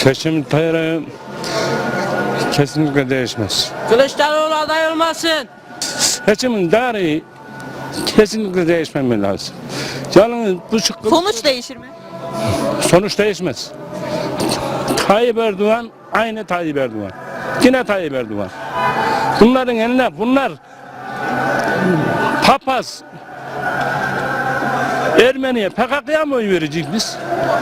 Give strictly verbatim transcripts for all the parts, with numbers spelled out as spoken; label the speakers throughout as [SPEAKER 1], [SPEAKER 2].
[SPEAKER 1] Seçim tarihi kesinlikle değişmez.
[SPEAKER 2] Kılıçdaroğlu aday olmasın.
[SPEAKER 1] Seçimin tarihi kesinlikle değişmemeli lazım. Yalnız bu çık-
[SPEAKER 3] Sonuç değişir mi?
[SPEAKER 1] sonuç değişmez. Tayyip Erdoğan aynı Tayyip Erdoğan. Yine Tayyip Erdoğan. Bunların eline bunlar papaz Ermeniye P K K'ya mı oy vereceğiz biz?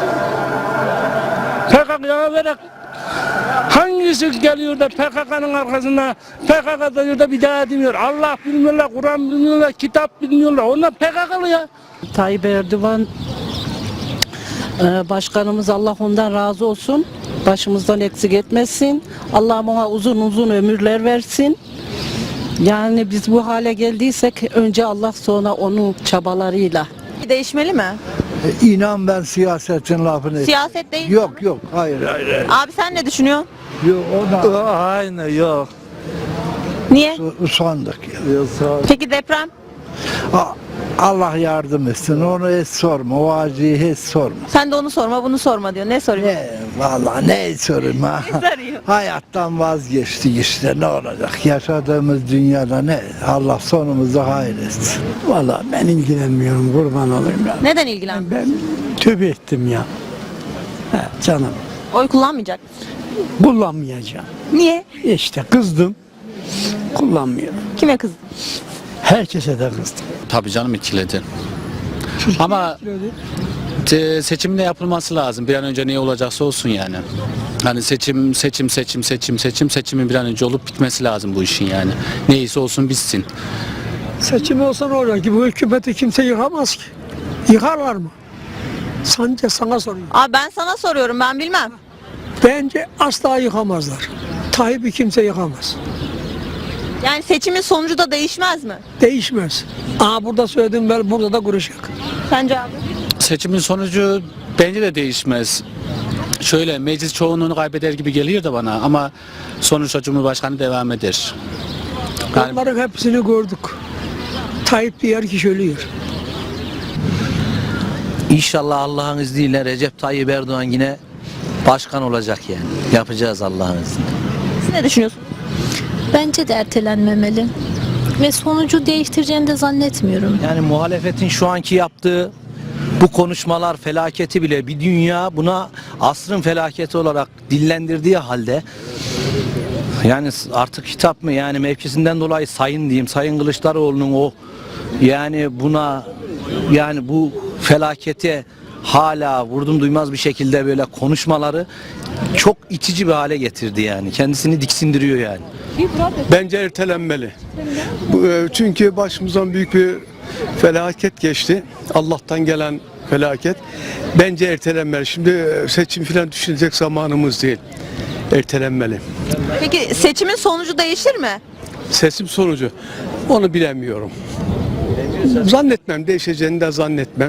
[SPEAKER 1] P K K'ya vererek hangisi geliyor da P K K'nın arkasında P K K diyor da bir daha demiyor. Allah bilmiyorlar, Kur'an bilmiyorlar, kitap bilmiyorlar. Onlar P K K'lı ya.
[SPEAKER 2] Tayyip Erdoğan başkanımız, Allah ondan razı olsun. Başımızdan eksik etmesin. Allah ona uzun uzun ömürler versin. Yani biz bu hale geldiysek önce Allah, sonra onun çabalarıyla.
[SPEAKER 3] Değişmeli mi?
[SPEAKER 4] İnan ben siyasetin lafını...
[SPEAKER 3] Siyaset değil mi?
[SPEAKER 4] Yok yok hayır hayır. hayır.
[SPEAKER 3] Abi sen ne düşünüyorsun?
[SPEAKER 4] Yok o da
[SPEAKER 5] Aynı yok.
[SPEAKER 3] Niye?
[SPEAKER 4] usandık ya.
[SPEAKER 3] Peki deprem?
[SPEAKER 4] A- Allah yardım etsin onu hiç sorma o acıyı hiç sorma.
[SPEAKER 3] Sen de onu sorma bunu sorma diyor. Ne soruyor?
[SPEAKER 4] Ne vallahi ne sorayım ha.
[SPEAKER 3] Ne soruyor?
[SPEAKER 4] Hayattan vazgeçtik işte ne olacak yaşadığımız dünyada ne Allah sonumuzu hayretsin.
[SPEAKER 5] Vallahi ben ilgilenmiyorum, kurban olayım ya.
[SPEAKER 3] Neden ilgilen?
[SPEAKER 5] Ben tövbe ettim ya. He, canım
[SPEAKER 3] Oy kullanmayacak mısın?
[SPEAKER 5] kullanmayacağım.
[SPEAKER 3] Niye?
[SPEAKER 5] İşte kızdım. Kullanmıyorum.
[SPEAKER 3] Kime kızdın?
[SPEAKER 5] Herkese de kızdım.
[SPEAKER 6] Tabii canım etkiledi. Ama e, seçimin de yapılması lazım. Bir an önce ne olacaksa olsun yani. Hani seçim, seçim, seçim, seçim, seçim, seçimin bir an önce olup bitmesi lazım bu işin yani. Neyse olsun bitsin.
[SPEAKER 7] Seçim olsa ne olacak ki? Bu hükümeti kimse yıkamaz ki. Yıkarlar mı? Sence sana soruyorum.
[SPEAKER 3] Abi ben sana soruyorum, ben bilmem.
[SPEAKER 7] Bence asla yıkamazlar. Tayyip'i kimse yıkamaz.
[SPEAKER 3] Yani seçimin sonucu da değişmez mi?
[SPEAKER 7] Değişmez. Aa burada söyledim ben burada da kuruşak.
[SPEAKER 3] Sence abi?
[SPEAKER 6] Seçimin sonucu bence de değişmez. Şöyle meclis çoğunluğunu kaybeder gibi geliyor da bana ama sonuçta Cumhurbaşkanı devam eder. Yani
[SPEAKER 7] Onların hepsini gördük. Tayyip diğer kişi ölüyor.
[SPEAKER 8] İnşallah Allah'ın izniyle Recep Tayyip Erdoğan yine başkan olacak yani. Yapacağız Allah'ın izniyle.
[SPEAKER 3] Siz ne düşünüyorsunuz?
[SPEAKER 9] Bence de ertelenmemeli. Ve sonucu değiştireceğini de zannetmiyorum.
[SPEAKER 8] Yani muhalefetin şu anki yaptığı bu konuşmalar felaketi bile bir dünya buna asrın felaketi olarak dillendirdiği halde yani artık hitap mı yani mevkisinden dolayı sayın diyeyim Sayın Kılıçdaroğlu'nun o yani buna yani bu felakete hala vurdum duymaz bir şekilde böyle konuşmaları çok itici bir hale getirdi yani. Kendisini diksindiriyor yani.
[SPEAKER 10] Bence ertelenmeli. Bu, e, Çünkü başımızdan büyük bir felaket geçti. Allah'tan gelen felaket. Bence ertelenmeli. Şimdi e, seçim falan düşünecek zamanımız değil. Ertelenmeli.
[SPEAKER 3] Peki seçimin sonucu değişir mi?
[SPEAKER 10] Seçim sonucu onu bilemiyorum. Zannetmem. Değişeceğini de zannetmem.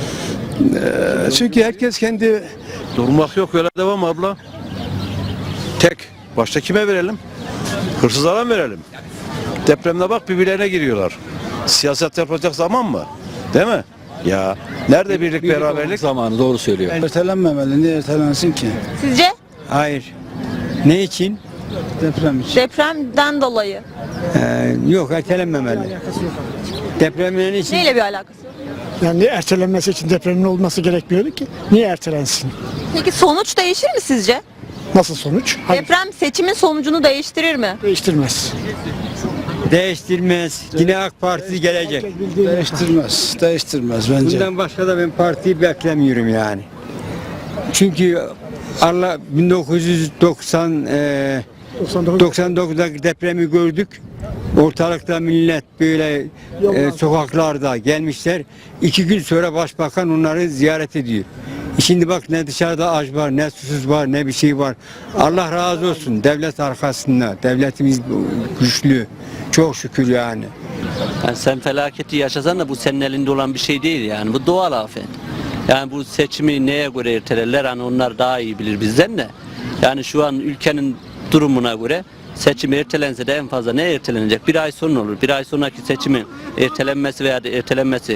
[SPEAKER 10] E, Çünkü herkes kendi...
[SPEAKER 11] Durmak yok öyle devam abla. Tek. Başta kime verelim? Hırsızlara mı verelim? Depremde bak birbirlerine giriyorlar. Siyaset yapacak zaman mı? Değil mi? Ya nerede birlik, beraberlik?
[SPEAKER 6] zamanı doğru söylüyor.
[SPEAKER 5] Ertelenmemeli. Niye ertelensin ki?
[SPEAKER 3] Sizce?
[SPEAKER 5] Hayır. Ne için? Deprem için.
[SPEAKER 3] Depremden dolayı.
[SPEAKER 5] Ee, yok ertelenmemeli. Depremin için.
[SPEAKER 3] Neyle bir alakası yok?
[SPEAKER 7] Yani ertelenmesi için depremin olması gerekmiyordu ki. Niye ertelensin?
[SPEAKER 3] Peki sonuç değişir mi sizce?
[SPEAKER 7] Nasıl sonuç? Hayır,
[SPEAKER 3] Deprem seçimin sonucunu değiştirir mi?
[SPEAKER 7] değiştirmez.
[SPEAKER 5] Değiştirmez. Yine AK Parti gelecek.
[SPEAKER 4] Değiştirmez değiştirmez bence.
[SPEAKER 5] Bundan başka da ben partiyi beklemiyorum yani. Çünkü Allah bin dokuz yüz doksan e, doksan dokuzda depremi gördük. Ortalıkta millet böyle e, sokaklarda gelmişler. İki gün sonra başbakan onları ziyaret ediyor. Şimdi bak ne dışarıda aç var, ne susuz var, ne bir şey var. Allah razı olsun devlet arkasında. Devletimiz güçlü. Çok şükür yani.
[SPEAKER 8] Yani sen felaketi yaşasan da bu senin elinde olan bir şey değil yani. Bu doğal afet. Yani bu seçimi neye göre ertelerler hani onlar daha iyi bilir bizden de. Yani şu an ülkenin durumuna göre seçim ertelense de en fazla ne ertelenecek? Bir ay sonra olur. Bir ay sonraki seçimin ertelenmesi veya da ertelenmesi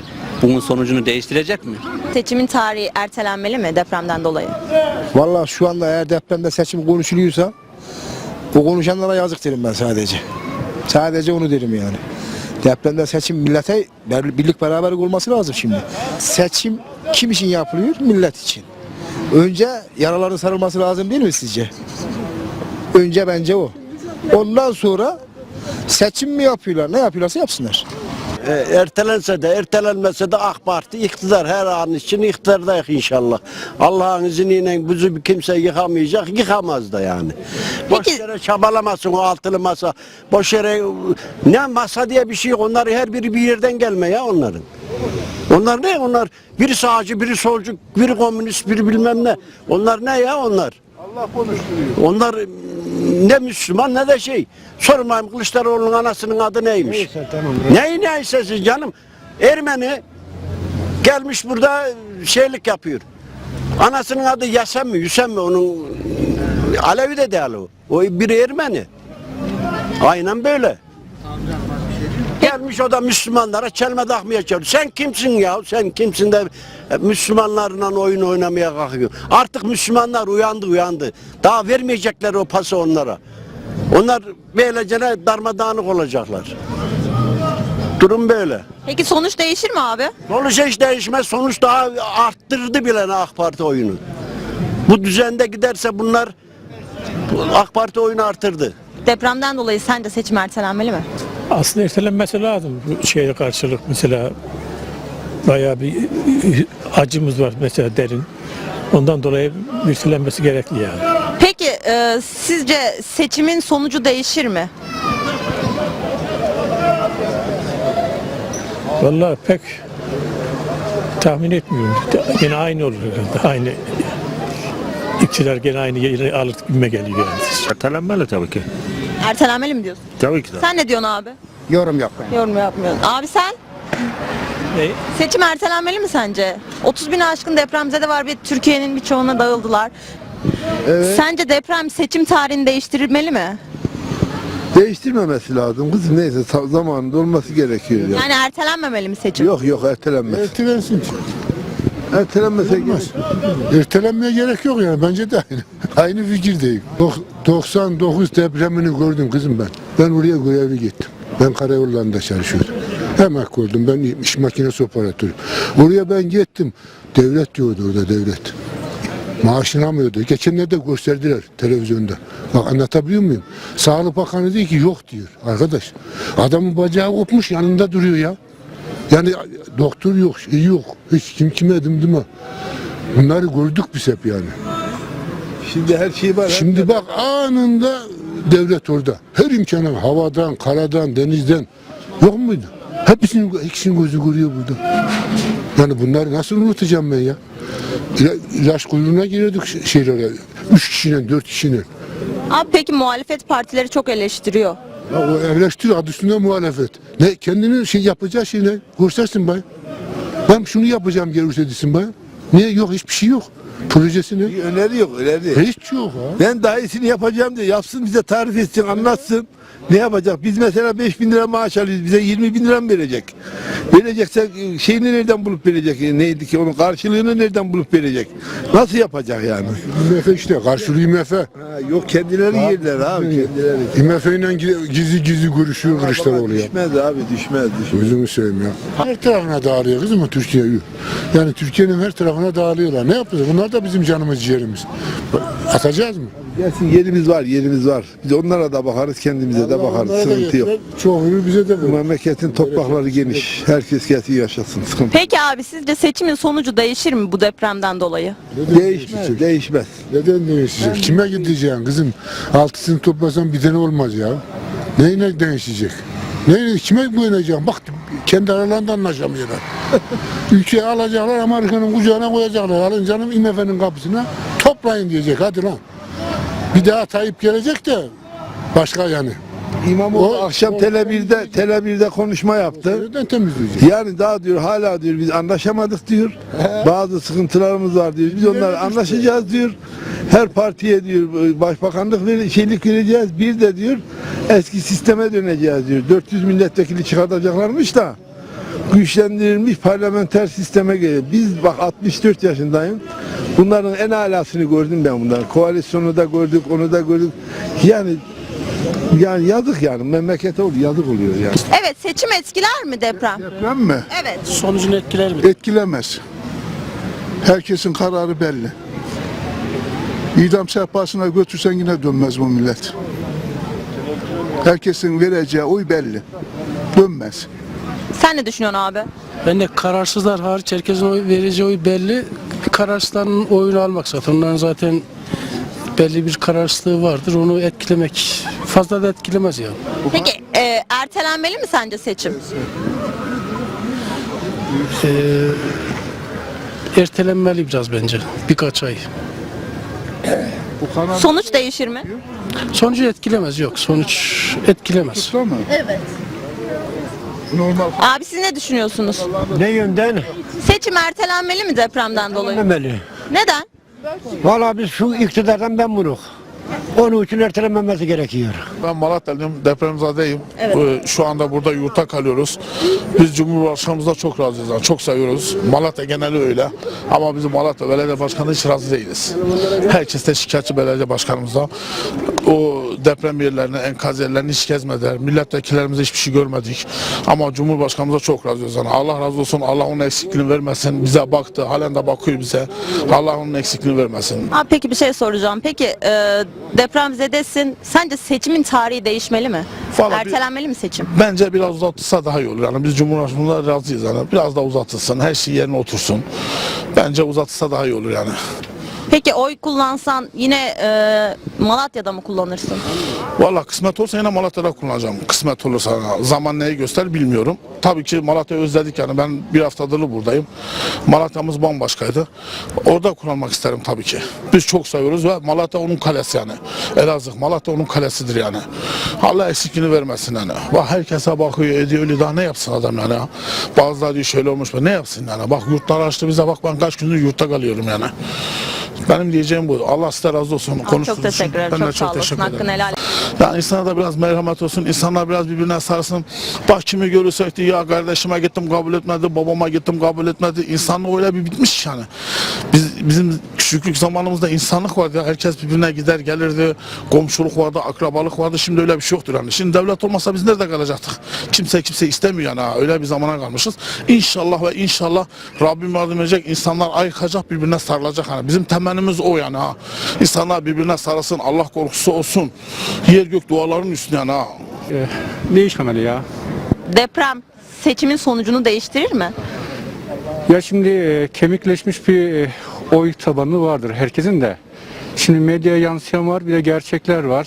[SPEAKER 8] bunun sonucunu değiştirecek mi?
[SPEAKER 3] Seçimin tarihi ertelenmeli mi depremden dolayı?
[SPEAKER 12] Vallahi şu anda eğer depremde seçim konuşuluyorsa bu konuşanlara yazık derim ben sadece. Sadece onu derim yani. Depremde seçim millete birlik beraberlik olması lazım şimdi. Seçim kim için yapılıyor? Millet için. Önce yaraların sarılması lazım değil mi sizce? Önce bence o. Ondan sonra seçim mi yapıyorlar? Ne yapıyorlarsa yapsınlar.
[SPEAKER 13] E, ertelense de ertelenmese de AK Parti iktidar her an için iktidardayız inşallah. Allah'ın izniyle bizi kimse yıkamayacak, yıkamaz da yani. Boş yere çabalamasın o altılı masa. Boş yere ne masa diye bir şey yok. Onlar her biri bir yerden gelme ya onların. Onlar ne? Onlar biri sağcı, biri solcu, biri komünist, biri bilmem ne. Onlar ne ya onlar? Allah konuşturuyor. Onlar ne Müslüman ne de şey. Sormayayım Kılıçdaroğlu'nun anasının adı neymiş? Neyse tamam. Neyi neyse siz canım. Ermeni gelmiş burada şeylik yapıyor. Anasının adı Yasem mi, Yüsem mi? Onun Alevi de değil o. O biri Ermeni. Aynen böyle. Gelmiş o da Müslümanlara çelme takmaya çalışıyor. Sen kimsin ya? Sen kimsin de Müslümanlarla oyun oynamaya kalkıyor. Artık Müslümanlar uyandı uyandı. Daha vermeyecekler o pası onlara. Onlar böylece darmadağınık olacaklar. Durum böyle.
[SPEAKER 3] Peki sonuç değişir mi abi?
[SPEAKER 13] Sonuç hiç değişmez. Sonuç daha arttırdı bile AK Parti oyunu. Bu düzende giderse bunlar AK Parti oyunu artırdı.
[SPEAKER 3] Depremden dolayı sence seçim ertelenmeli mi?
[SPEAKER 7] Aslında ertelenmesi lazım. Bu şeye karşılık mesela bayağı bir acımız var mesela derin. Ondan dolayı ertelenmesi gerekli yani.
[SPEAKER 3] Peki e, sizce seçimin sonucu değişir mi?
[SPEAKER 7] Vallahi pek tahmin etmiyorum. Yine aynı olur herhalde. Aynı iktidar gene aynı yeri alır gibime geliyor yani.
[SPEAKER 11] Ertelenmeli tabii ki.
[SPEAKER 3] Ertelenmeli mi diyorsun?
[SPEAKER 11] Tabii ki de.
[SPEAKER 3] Sen ne diyorsun abi?
[SPEAKER 12] Yorum yapmayın.
[SPEAKER 3] Yorum yapmıyorsun. Abi sen?
[SPEAKER 7] Ne?
[SPEAKER 3] Seçim ertelenmeli mi sence? otuz bin aşkın depremzede var ve Türkiye'nin birçoğuna dağıldılar.
[SPEAKER 10] Evet.
[SPEAKER 3] Sence deprem seçim tarihini değiştirilmeli mi?
[SPEAKER 10] Değiştirmemesi lazım kızım, neyse zamanında olması gerekiyor ya.
[SPEAKER 3] Yani ertelenmemeli mi seçim?
[SPEAKER 10] Yok yok ertelenmez.
[SPEAKER 4] Ertelensin.
[SPEAKER 10] Ertelenmese gerek.
[SPEAKER 4] Ertelenmeye gerek yok yani bence de aynı. Aynı fikirdeyim. doksan dokuz depremini gördüm kızım ben. Ben oraya görevli gittim. Ben karayollarında çalışıyordum. Emekli oldum. Ben iş makinesi operatörü. Oraya ben gittim. Devlet diyordu orada devlet. Maaşını almıyordu. Geçenlerde gösterdiler televizyonda. Bak anlatabiliyor muyum? Sağlık Bakanı diyor ki yok diyor. Arkadaş adamın bacağı kopmuş yanında duruyor ya. Yani doktor yok, şey yok. Hiç kim kime dımdıma. Bunları gördük biz hep yani.
[SPEAKER 10] Şimdi her şey var.
[SPEAKER 4] Şimdi bak anında devlet orada. Her imkanı havadan, karadan, denizden yok muydu? Hepsinin, ikisinin gözü görüyor burada. Yani bunları nasıl unutacağım ben ya? İla, ilaç kuyruğuna giriyorduk şeylere. Üç kişinin, dört kişinin.
[SPEAKER 3] Abi peki muhalefet partileri çok eleştiriyor.
[SPEAKER 4] Ya o eleştiri adı üstünde muhalefet. Ne kendinin şey yapacağı şey ne? Göstersin bay. Ben şunu yapacağım gelirse desin bay. Niye yok hiçbir şey yok. Projesi ne?
[SPEAKER 10] Bir öneri yok, öneri.
[SPEAKER 4] Hiç yok ha.
[SPEAKER 10] Ben daha iyisini yapacağım diye yapsın, bize tarif etsin, anlatsın. Ne yapacak? Biz mesela beş bin lira maaş alıyoruz. Bize yirmi bin lira mı verecek? Verecekse şeyini nereden bulup verecek? Neydi ki onun karşılığını nereden bulup verecek? Nasıl yapacak yani?
[SPEAKER 4] İ M F işte karşılığı İ M F.
[SPEAKER 10] Ha, yok kendileri yerler abi kendileri.
[SPEAKER 4] İ M F ile gizli gizli görüşüyor Kılıçdaroğlu ya.
[SPEAKER 10] Düşmez abi düşmez düşmez.
[SPEAKER 4] Gözümü seveyim ya. Her tarafına dağılıyor kızım Türkiye'yi. Yani Türkiye'nin her tarafına dağılıyorlar. Ne yapacağız? Bunlar da bizim canımız ciğerimiz. Atacağız mı?
[SPEAKER 10] Gelsin yerimiz var yerimiz var. Biz onlara da bakarız kendimize de bakarız. Sıkıntı yok.
[SPEAKER 4] Çoğunu bize de
[SPEAKER 10] Bu memleketin toprakları geniş. Herkes gelsin yaşasın. Sıkıntı.
[SPEAKER 3] Peki abi sizce seçimin sonucu değişir mi bu depremden dolayı?
[SPEAKER 10] Değişmez, değişmez.
[SPEAKER 4] Neden değişecek? Kime gideceksin kızım? Altısını toplasan bir tane olmaz ya. Neyine değişecek? Neyle, kime güveneceksin? Bak kendi aralarında anlaşamıyorlar. Ülkeyi alacaklar Amerika'nın kucağına koyacaklar. Alın canım İ M F'nin kapısına toplayın diyecek hadi lan. Bir daha Tayyip gelecek de başka yani.
[SPEAKER 10] İmamoğlu
[SPEAKER 4] O-
[SPEAKER 10] akşam
[SPEAKER 4] o-
[SPEAKER 10] Tele bir'de Tele bir'de konuşma yaptı.
[SPEAKER 4] Nereden temizleyecek?
[SPEAKER 10] Yani daha diyor hala diyor biz anlaşamadık diyor. Bazı sıkıntılarımız var diyor. Biz onlarla anlaşacağız diyor. Her partiye diyor başbakanlık ver, şeylik vereceğiz. Bir de diyor eski sisteme döneceğiz diyor. dört yüz milletvekili çıkartacaklarmış da
[SPEAKER 4] güçlendirilmiş parlamenter sisteme geliyor. Biz bak altmış dört yaşındayım. Bunların en alasını gördüm ben bunların. Koalisyonu da gördük, onu da gördük. Yani yani yazık yani memlekete oluyor, yazık oluyor yani.
[SPEAKER 3] Evet, seçim etkiler mi deprem?
[SPEAKER 4] Deprem mi?
[SPEAKER 3] Evet.
[SPEAKER 1] Sonucunu etkiler mi?
[SPEAKER 4] Etkilemez. Herkesin kararı belli. İdam sehpasına götürsen yine dönmez bu millet. Herkesin vereceği oy belli. Dönmez.
[SPEAKER 3] Sen ne düşünüyorsun abi?
[SPEAKER 1] Ben de kararsızlar hariç herkesin oy vereceği oy belli. Kararsızların oyunu almak zaten. Onların zaten belli bir kararsızlığı vardır. Onu etkilemek fazla da etkilemez yani.
[SPEAKER 3] Peki e, ertelenmeli mi sence seçim?
[SPEAKER 1] Ee, ertelenmeli biraz bence. Birkaç ay.
[SPEAKER 3] Sonuç değişir mi?
[SPEAKER 1] Sonucu etkilemez yok. Sonuç etkilemez.
[SPEAKER 3] Evet.
[SPEAKER 4] Normal.
[SPEAKER 3] Abi siz ne düşünüyorsunuz?
[SPEAKER 13] Ne yönden?
[SPEAKER 3] Seçim ertelenmeli mi depremden dolayı?
[SPEAKER 13] Ertelenmemeli.
[SPEAKER 3] Neden?
[SPEAKER 13] Valla biz şu iktidardan ben bunuk. Onun için ertelenmemesi gerekiyor.
[SPEAKER 11] Ben Malatyalıyım, depremzadeyim.
[SPEAKER 3] Evet.
[SPEAKER 11] Ee, Şu anda burada yurtta kalıyoruz. Biz Cumhurbaşkanımızla çok razıyız, yani çok seviyoruz. Malatya geneli öyle. Ama bizim Malatya Belediye Başkanı hiç razı değiliz. Herkes de şikayetçi belediye başkanımızla. O deprem yerlerini, enkaz yerlerini hiç gezmediler. Milletvekillerimiz hiçbir şey görmedik. Ama Cumhurbaşkanımıza çok razıyız. Yani Allah razı olsun, Allah onun eksikliğini vermesin. Bize baktı, halen de bakıyor bize. Allah onun eksikliğini vermesin.
[SPEAKER 3] Abi peki bir şey soracağım. Peki e, depremzedesin. Sence seçimin tarihi değişmeli mi?
[SPEAKER 11] Vallahi bir-
[SPEAKER 3] Ertelenmeli mi seçim?
[SPEAKER 11] Bence biraz uzatılsa daha iyi olur. Yani biz Cumhurbaşkanımızla razıyız yani. Biraz daha uzatılsın, her şey yerine otursun. Bence uzatılsa daha iyi olur yani.
[SPEAKER 3] Peki oy kullansan yine e, Malatya'da mı kullanırsın?
[SPEAKER 11] Valla kısmet olsa yine Malatya'da kullanacağım. Kısmet olursa zaman neyi göster bilmiyorum. Tabii ki Malatya'yı özledik yani. Ben bir haftadır buradayım. Malatya'mız bambaşkaydı. Orada kullanmak isterim tabii ki. Biz çok seviyoruz ve Malatya onun kalesi yani. Elazığ Malatya onun kalesidir yani. Allah eksikliğini vermesin yani. Bak herkese bakıyor ediyor öyle daha ne yapsın adam yani. Bazıları diyor şöyle olmuş ne yapsın yani. Bak yurtlar açtı bize bak ben kaç gündür yurtta kalıyorum yani. Benim diyeceğim bu. Allah size razı olsun.
[SPEAKER 3] Abi çok teşekkür ederim. Çok sağ olasın. Hakkını helal et.
[SPEAKER 11] Yani insana da biraz merhamet olsun. İnsanlar biraz birbirine sarsın. Bak kimi görürsek diye ya kardeşime gittim kabul etmedi, babama gittim kabul etmedi. İnsanlık öyle bir bitmiş yani. Biz bizim küçüklük zamanımızda insanlık vardı ya. Herkes birbirine gider gelirdi. Komşuluk vardı, akrabalık vardı. Şimdi öyle bir şey yoktur yani. Şimdi devlet olmasa biz nerede kalacaktık? Kimse kimse istemiyor yani. Ha. Öyle bir zamana kalmışız. İnşallah ve inşallah Rabbim yardım edecek. İnsanlar ayıkacak, birbirine sarılacak. Yani bizim temennimiz o yani ha. İnsanlar birbirine sarılsın, Allah korkusu olsun. Yer gök duaların üstüne yani ha.
[SPEAKER 5] Değişmemeli ya.
[SPEAKER 3] Deprem seçimin sonucunu değiştirir mi?
[SPEAKER 5] Ya şimdi e, kemikleşmiş bir e, oy tabanı vardır herkesin de. Şimdi medyaya yansıyan var, bir de gerçekler var.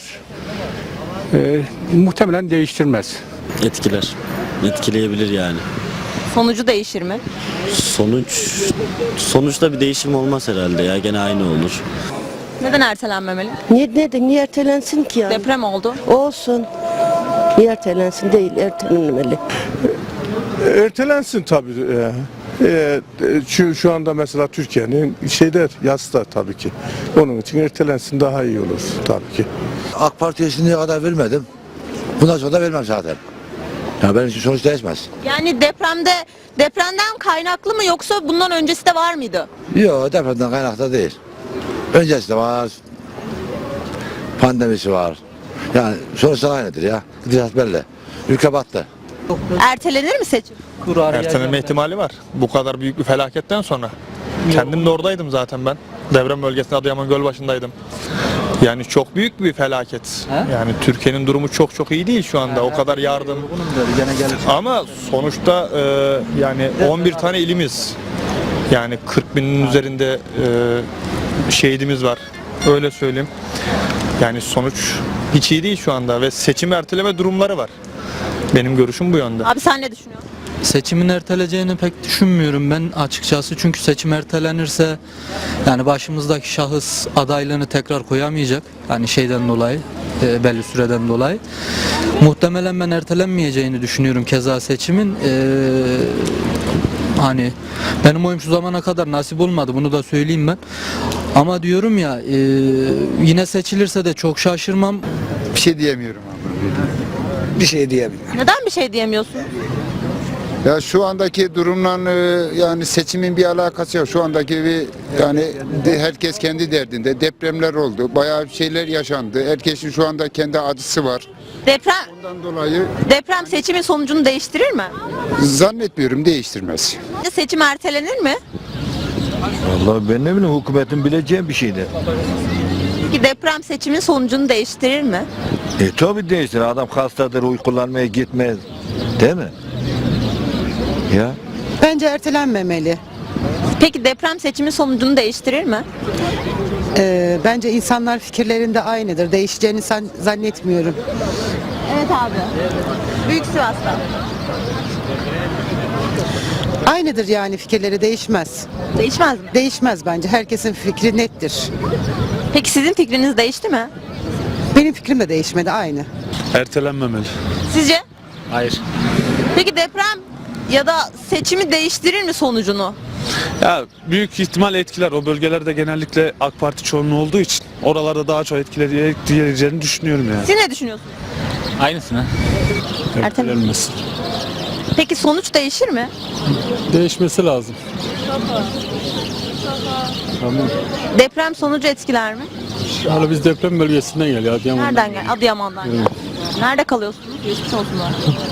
[SPEAKER 5] E, muhtemelen değiştirmez.
[SPEAKER 6] Etkiler. Etkileyebilir yani.
[SPEAKER 3] Sonucu değişir mi?
[SPEAKER 6] Sonuç sonuçta bir değişim olmaz herhalde ya. Gene aynı olur.
[SPEAKER 3] Neden ertelenmemeli?
[SPEAKER 2] Niye, neden, niye ertelensin ki yani?
[SPEAKER 3] Deprem oldu.
[SPEAKER 2] Olsun. Niye ertelensin değil, ertelenmeli.
[SPEAKER 10] Ertelensin tabii. Ee, e, şu, şu anda mesela Türkiye'nin şeyler yasta tabii ki. Onun için ertelensin daha iyi olur tabii ki.
[SPEAKER 12] AK Parti'ye şimdiye kadar vermedim. Bundan sonra da vermem zaten. Ya benim için sonuç değişmez.
[SPEAKER 3] Yani depremde depremden kaynaklı mı yoksa bundan öncesi de var mıydı?
[SPEAKER 12] Yok depremden kaynaklı değil. Öncesi de var. Pandemisi var. Yani sonuçlar aynıdır ya. Gidişat belli. Ülke battı.
[SPEAKER 3] Ertelenir mi seçim?
[SPEAKER 5] Ertelenme ihtimali var. Bu kadar büyük bir felaketten sonra. Kendim de oradaydım zaten ben. Deprem bölgesinde Adıyaman Gölbaşı'ndaydım. Yani çok büyük bir felaket. Yani Türkiye'nin durumu çok çok iyi değil şu anda. O kadar yardım. Ama sonuçta e, yani on bir tane ilimiz. Yani kırk binin üzerinde e, şehidimiz var. Öyle söyleyeyim. Yani sonuç hiç iyi değil şu anda ve seçim erteleme durumları var. Benim görüşüm bu yönde.
[SPEAKER 3] Abi sen ne düşünüyorsun?
[SPEAKER 6] Seçimin erteleyeceğini pek düşünmüyorum ben açıkçası. Çünkü seçim ertelenirse yani başımızdaki şahıs adaylığını tekrar koyamayacak. Yani şeyden dolayı, e, belli süreden dolayı. Muhtemelen ben ertelenmeyeceğini düşünüyorum keza seçimin. E, hani benim oyum şu zamana kadar nasip olmadı, bunu da söyleyeyim ben. Ama diyorum ya e, yine seçilirse de çok şaşırmam.
[SPEAKER 12] Bir şey diyemiyorum abi. Bir şey diyemiyorum.
[SPEAKER 3] Neden bir şey diyemiyorsun?
[SPEAKER 14] Ya şu andaki durumla e, yani seçimin bir alakası yok. Şu andaki bir yani de- herkes kendi derdinde. Depremler oldu. Bayağı bir şeyler yaşandı. Herkesin şu anda kendi acısı var.
[SPEAKER 3] Deprem
[SPEAKER 14] Ondan dolayı
[SPEAKER 3] deprem seçimin sonucunu değiştirir mi?
[SPEAKER 14] zannetmiyorum değiştirmez.
[SPEAKER 3] Seçim ertelenir mi?
[SPEAKER 11] Vallahi ben ne bileyim hükümetin bileceği bir şeydi.
[SPEAKER 3] Peki deprem seçimin sonucunu değiştirir mi?
[SPEAKER 11] E tabi değiştir. Adam hastadır, uy kullanmaya gitmez. Değil mi? Ya.
[SPEAKER 2] Bence ertelenmemeli.
[SPEAKER 3] Peki deprem seçimin sonucunu değiştirir mi?
[SPEAKER 2] Ee, bence insanlar fikirlerinde aynıdır. Değişeceğini san- zannetmiyorum.
[SPEAKER 3] Evet abi. Büyük Sivas'ta.
[SPEAKER 2] Aynıdır yani fikirleri değişmez.
[SPEAKER 3] Değişmez mi?
[SPEAKER 2] Değişmez bence. Herkesin fikri nettir.
[SPEAKER 3] Peki sizin fikriniz değişti mi?
[SPEAKER 2] Benim fikrim de değişmedi aynı.
[SPEAKER 7] Ertelenmemeli.
[SPEAKER 3] Sizce?
[SPEAKER 6] Hayır.
[SPEAKER 3] Peki deprem ya da seçimi değiştirir mi sonucunu?
[SPEAKER 7] Ya büyük ihtimal etkiler. O bölgelerde genellikle AK Parti çoğunluğu olduğu için oralarda daha çok etkileyeceğini düşünüyorum yani.
[SPEAKER 3] Siz ne düşünüyorsunuz?
[SPEAKER 6] Aynısını.
[SPEAKER 7] Ertelenmesi.
[SPEAKER 3] Peki sonuç değişir mi?
[SPEAKER 7] Değişmesi lazım. Tamam.
[SPEAKER 3] Deprem sonucu etkiler mi?
[SPEAKER 7] Hala biz deprem bölgesinden geliyor. Adıyaman'dan.
[SPEAKER 3] Nereden gel? Adıyaman'dan gel. Nerede kalıyorsunuz? Geçmiş olsunlar.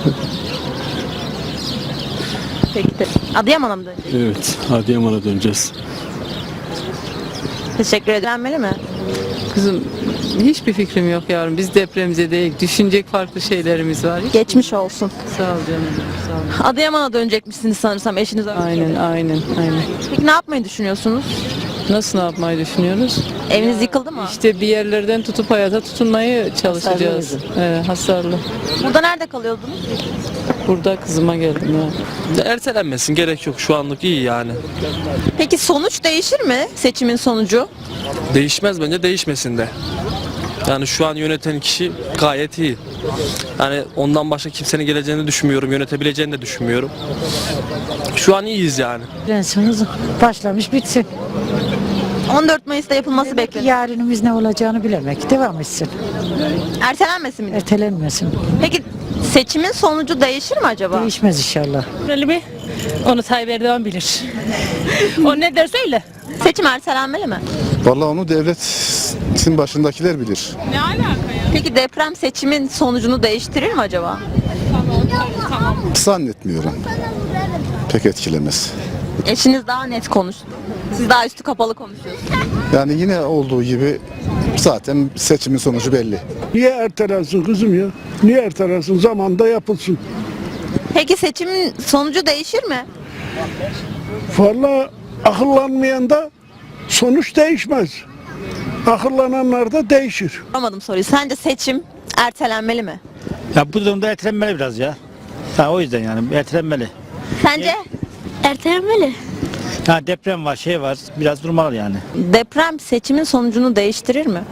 [SPEAKER 3] Peki de. Adıyaman'a mı dönecek?
[SPEAKER 7] Evet, Adıyaman'a döneceğiz.
[SPEAKER 3] Teşekkür ederim. mi?
[SPEAKER 2] Kızım hiçbir fikrim yok yavrum. Biz depremize değil. Düşünecek farklı şeylerimiz var.
[SPEAKER 3] Geçmiş olsun.
[SPEAKER 2] Sağ ol canım. Sağ ol.
[SPEAKER 3] Adıyaman'a dönecekmişsiniz sanırsam eşiniz öyle.
[SPEAKER 2] Aynen aynen aynen.
[SPEAKER 3] Peki ne yapmayı düşünüyorsunuz?
[SPEAKER 2] Nasıl ne yapmayı düşünüyoruz?
[SPEAKER 3] Eviniz yıkıldı mı?
[SPEAKER 2] İşte bir yerlerden tutup hayata tutunmayı çalışacağız. Evet, hasarlı.
[SPEAKER 3] Burada nerede kalıyordunuz?
[SPEAKER 2] Burada kızıma geldim ya.
[SPEAKER 7] Ertelenmesin, gerek yok. Şu anlık iyi yani.
[SPEAKER 3] Peki sonuç değişir mi? Seçimin sonucu?
[SPEAKER 7] Değişmez, bence değişmesin de. Yani şu an yöneten kişi gayet iyi. Yani ondan başka kimsenin geleceğini düşünmüyorum, yönetebileceğini de düşünmüyorum. Şu an iyiyiz yani.
[SPEAKER 2] Prensimiz başlamış bitsin.
[SPEAKER 3] on dört Mayıs'ta yapılması bekleniyor.
[SPEAKER 2] Yarınımız ne olacağını bilemek. Devam etsin.
[SPEAKER 3] Ertelenmesin mi?
[SPEAKER 2] Ertelenmesin.
[SPEAKER 3] Peki seçimin sonucu değişir mi acaba?
[SPEAKER 2] Değişmez inşallah.
[SPEAKER 9] Öyle mi? Onu Tayyip Erdoğan bilir. O ne derse öyle.
[SPEAKER 3] Seçim ertelenmeli mi?
[SPEAKER 14] Vallahi onu devletin başındakiler bilir.
[SPEAKER 3] Peki deprem seçimin sonucunu değiştirir mi acaba?
[SPEAKER 14] Zannetmiyorum. Pek etkilemez.
[SPEAKER 3] Eşiniz daha net konuştu. Siz daha üstü kapalı konuşuyorsunuz.
[SPEAKER 14] Yani yine olduğu gibi zaten seçimin sonucu belli.
[SPEAKER 1] Niye ertelensin kızım ya? Niye ertelensin? Zamanında yapılsın.
[SPEAKER 3] Peki seçimin sonucu değişir mi?
[SPEAKER 1] Vallahi akıllanmayan da sonuç değişmez. Akıllananlar da değişir.
[SPEAKER 3] Anlamadım soruyu. Sence seçim ertelenmeli mi?
[SPEAKER 8] Ya bu durumda ertelenmeli biraz ya. Ha, o yüzden yani ertelenmeli.
[SPEAKER 3] Sence?
[SPEAKER 9] Ertelenmeli.
[SPEAKER 8] Ha, deprem var, şey var. Biraz durmalı yani.
[SPEAKER 3] Deprem seçimin sonucunu değiştirir mi?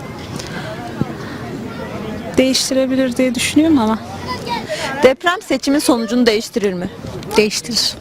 [SPEAKER 9] Değiştirebilir diye düşünüyorum ama.
[SPEAKER 3] Deprem seçimin sonucunu değiştirir mi?
[SPEAKER 9] Değiştirir.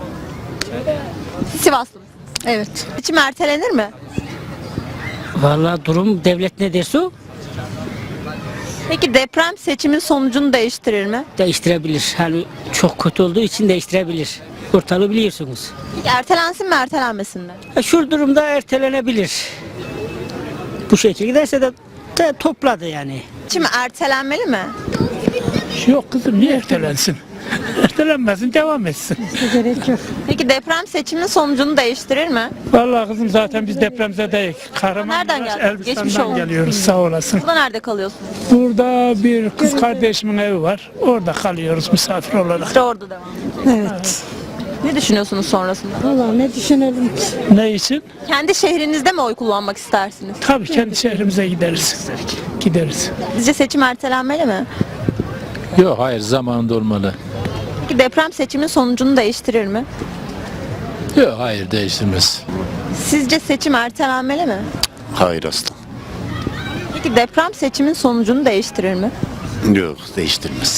[SPEAKER 3] Sivaslı mısın?
[SPEAKER 9] Evet.
[SPEAKER 3] Seçim ertelenir mi?
[SPEAKER 2] Vallahi durum devlet ne derse o
[SPEAKER 3] Peki deprem seçimin sonucunu değiştirir mi?
[SPEAKER 2] değiştirebilir. Hani çok kötü olduğu için değiştirebilir. Ortalığı biliyorsunuz.
[SPEAKER 3] Peki ertelensin mi ertelenmesin mi?
[SPEAKER 2] Ha, şu durumda ertelenebilir. Bu şekilde giderse de, de topladı yani.
[SPEAKER 3] Seçim ertelenmeli mi?
[SPEAKER 1] Yok kızım niye ertelensin? Ertelenmesin devam etsin.
[SPEAKER 3] Peki deprem seçimin sonucunu değiştirir mi?
[SPEAKER 1] Vallahi kızım zaten biz depremzedeyiz.
[SPEAKER 3] Nereden geldiniz? Geçmiş
[SPEAKER 1] Elbistan'dan
[SPEAKER 3] olsun.
[SPEAKER 1] geliyoruz sağ olasın.
[SPEAKER 3] Burada nerede kalıyorsunuz?
[SPEAKER 1] Burada bir kız kardeşimin evi var. Orada kalıyoruz misafir olarak.
[SPEAKER 3] İşte orada devam.
[SPEAKER 2] Evet.
[SPEAKER 3] Ne düşünüyorsunuz sonrasında?
[SPEAKER 2] Vallahi ne düşünelim ki?
[SPEAKER 1] Ne için?
[SPEAKER 3] Kendi şehrinizde mi oy kullanmak istersiniz?
[SPEAKER 1] Tabii kendi şehrimize gideriz. Gideriz.
[SPEAKER 3] Sizce seçim ertelenmeli mi?
[SPEAKER 6] Yok hayır zamanında olmalı.
[SPEAKER 3] Peki deprem seçimin sonucunu değiştirir mi?
[SPEAKER 6] Yok hayır değiştirmez.
[SPEAKER 3] Sizce seçim ertelenmeli mi?
[SPEAKER 14] Hayır aslan.
[SPEAKER 3] Peki deprem seçimin sonucunu değiştirir mi?
[SPEAKER 14] Yok değiştirmez.